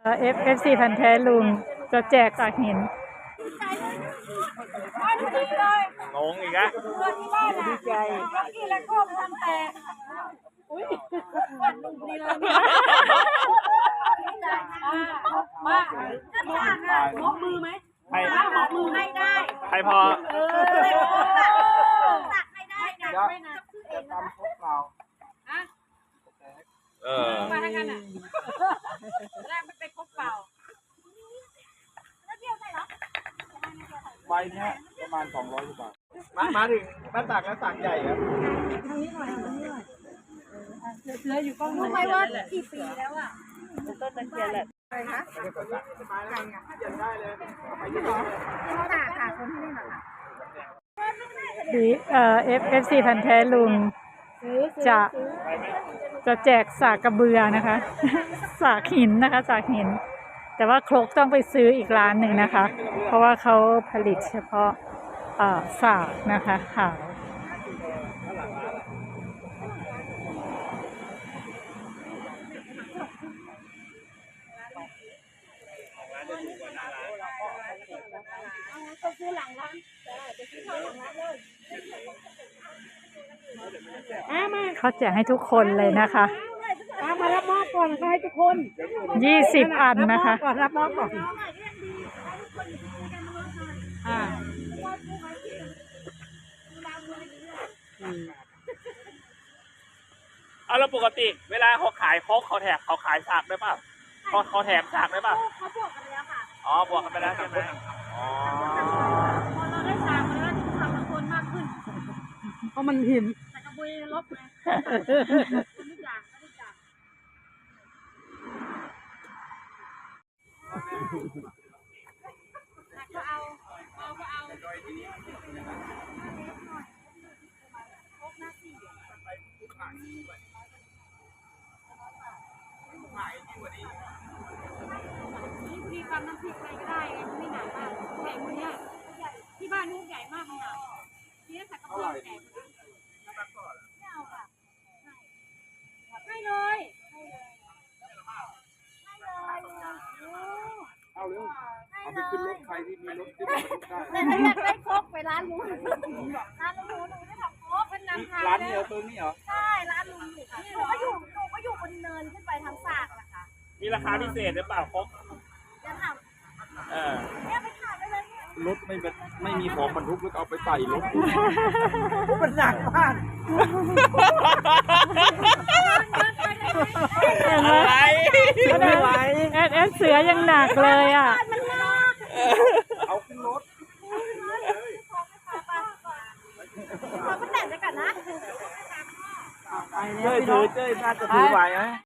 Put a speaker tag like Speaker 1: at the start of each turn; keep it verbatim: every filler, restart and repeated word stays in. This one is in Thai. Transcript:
Speaker 1: เอฟเอฟซีพันธุ์แท้ลุงจะแจกจากหิน
Speaker 2: งงอีกอะ
Speaker 3: ดีใจล็อกกี้และโค้งทำแต่อุ้ยลุงดีเลยมาหมอกมือไหม
Speaker 2: ใคร
Speaker 3: หมอกมือให้ได้
Speaker 2: ใครพอ
Speaker 3: เออตักให้ได้นะไม่นะจะทำครบเปล่าอะ
Speaker 2: เออ
Speaker 3: มาทางกันอ่ะแรกมันเป็นครบเปล่าแล้วเที่ยวไหนเหรอ
Speaker 4: ใบนี้ประมาณสองร้อยบาทมามาถึงบ้านตากแล้วตากใหญ่ครับ
Speaker 3: ทางนี้หน่อยทางนี้หน่อยเสืออยู่กล้องรู้ไหมว่ากี่ปีแล้วอ่ะต้นตะเคียนแหละอะไรคะใหญ่อะ
Speaker 4: ได้เลย
Speaker 3: ไปที่หรอที่เขาด่าค่ะคนที่นี่หรอคะ
Speaker 1: ดีเอ่อเอฟเอฟซีพันธุ์แท้ลุงจะจะแจกสากกระเบือนะคะ สากหินนะคะสากหินแต่ว่าครกต้องไปซื้ออีกร้านหนึ่งนะคะ เพราะว่าเขาผลิตเฉพาะเอ่อสากนะคะขาว
Speaker 3: ก็ซื้อหลังร้านจะซื้อเข้าหลังร้านเลย
Speaker 1: เขาแจกให้ทุกคนเลยนะคะ
Speaker 3: มารับมอบก่อนให้ทุกคน
Speaker 1: ยี่สิบอันนะคะ
Speaker 3: ก่อนรับมอบก่อนอ่า
Speaker 2: เอาแล้วปกติเวลาเขาขายโค้กเขาแถมเขาขายสากได้ป่ะเขาเขาแถมสากได้ป่ะ
Speaker 3: เขาบวกกันแล้วค่ะ
Speaker 2: อ๋อบวกกันไปแล้วใช่ไหมอ๋อ
Speaker 3: พอเราได้สากมาแล้วทำกับคนมากขึ้น
Speaker 1: เพราะมันหิน
Speaker 3: แต่กระบุยลบไงทุกอย่างทุกอย่างก็เอาเอาก็เอามีความน้ำพริกอะไรก็ได้ไงมันไม่หนามากใหญ่คนนี้ที่บ้านลูกใหญ่มากเลยอ่ะที่นั่นสักกระเบือใหญ่ไม่เอาค่ะให้เลยให้เลยให้เลย
Speaker 4: เอาเร็วเอาไปขึ้นรถใครที่มีรถขึ้นได้
Speaker 3: แต่ถ้าอยากได้ครกไปร้านลุงร้านลุงหนูไม่ทำครกเป็นน้ำทาน
Speaker 4: ร้านเดียวตัวนี้เหรอ
Speaker 3: ใช่ร้านลุงอยู่ค่ะหนูก็อยู่หนูก็อยู่บนเนินขึ้นไปทางสากนะคะ
Speaker 2: มีราคาพิเศษหรือเปล่าโค้ก
Speaker 3: จะท
Speaker 2: เออ
Speaker 3: ำเนี่ยไปขายไปเลยเนี่ย
Speaker 4: รถไม่ไม่มีของบรรทุกแล้วเอาไปใส่รถ
Speaker 3: มันหนักมาก
Speaker 1: อะไรไม่ไหวแอดแอดเสือยังหนักเลยอ่ะ
Speaker 4: เอาขึ้นรถ
Speaker 3: ขอไปแต่งด้วยกันนะ
Speaker 4: เจ้ยถือเจ้ยน่าจะถือไหวไหม